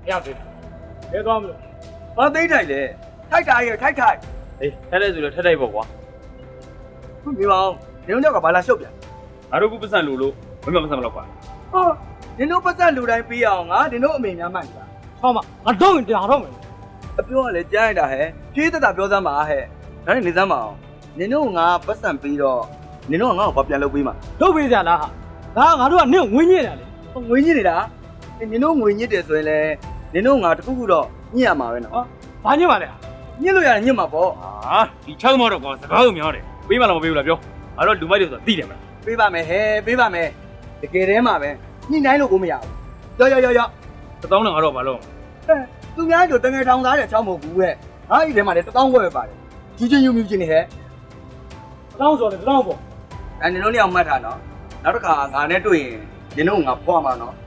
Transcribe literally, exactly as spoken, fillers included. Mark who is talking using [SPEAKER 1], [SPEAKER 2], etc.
[SPEAKER 1] ရောက်တယ်ဘယ်သွားမလို့
[SPEAKER 2] ဘာသိထိုက်လဲထိုက်တာရဲ့ထိုက်ထိုက်
[SPEAKER 1] အေးထဲတဲ့ဆိုလဲထဲတိုက်ပေါ့ကွာ
[SPEAKER 2] ခုမြေပါအောင်နင်တို့ကဘာလာရှုပ်ပြန်
[SPEAKER 1] ငါတို့ကပတ်စံလို့လို့မမပတ်စံမလောက်ပါ
[SPEAKER 2] ဟောနင်တို့ပတ်သက်လူတိုင်းပြီးအောင်ငါနင်တို့အမေများမှန်တာ
[SPEAKER 3] ဟောမငါတော့ရင်တရားတော့မယ်
[SPEAKER 2] အပြောကလည်းကြားရတာဟဲ့ဖြည်းသက်တာပြောစမ်းပါဟဲ့ဒါနဲ့နေစမ်းပါအောင်နင်တို့ငါပတ်စံပြီးတော့နင်တို့ကငါ့ကိုဘာပြန်လုပ်ပေးမှာ
[SPEAKER 3] လုပ်ပေးကြလားဟာဒါငါတို့ကနင့်ဝင်းညစ်တယ်လေ
[SPEAKER 2] ငွေညစ်နေတာနင်တို့ငွေညစ်တယ်ဆိုရင်လည်းနင်တို့ငါတခုခုတော့ညစ်ရမှာပဲနော်
[SPEAKER 3] ဘာညစ်ပါလဲ
[SPEAKER 2] ညစ်လို့ရတယ်ညစ်မှာပေါ့
[SPEAKER 1] ဟာဒီချောင်းမတော့ကွာစကားကိုများတယ်ပေးမလားမပေးဘူးလားပြောငါတို့လူမိုက်တွေဆိုတာသိတယ်မလား
[SPEAKER 2] ပေးပါမယ်ဟဲ့ပေးပါမယ်တကယ်တည်းမှာပဲညှိနှိုင်းလို့ကိုမရဘူးရောရောရောရော
[SPEAKER 1] တစ်သောင်းနဲ့ငါတို့ဘာလို့
[SPEAKER 2] ဟဲ့သူများတို့တငယ်ထောင်သားတဲ့ချောင်းမဟုတ်ဘူးဟဲ့ငါ့ဒီထဲမှာလည်းတစ်တောင်းခွဲပဲပါတယ်ကြီးချင်းယူမြူချင်းနေဟဲ့
[SPEAKER 3] တောင်းဆိုတယ်တောင်းပေါ့
[SPEAKER 2] အဲနင်တို့လည်းအောင်မှတ်ထားနော်နောက်တစ်ခါငါနဲ့တွေ့ရင်နင်တို့ငါဖွာမှာနော်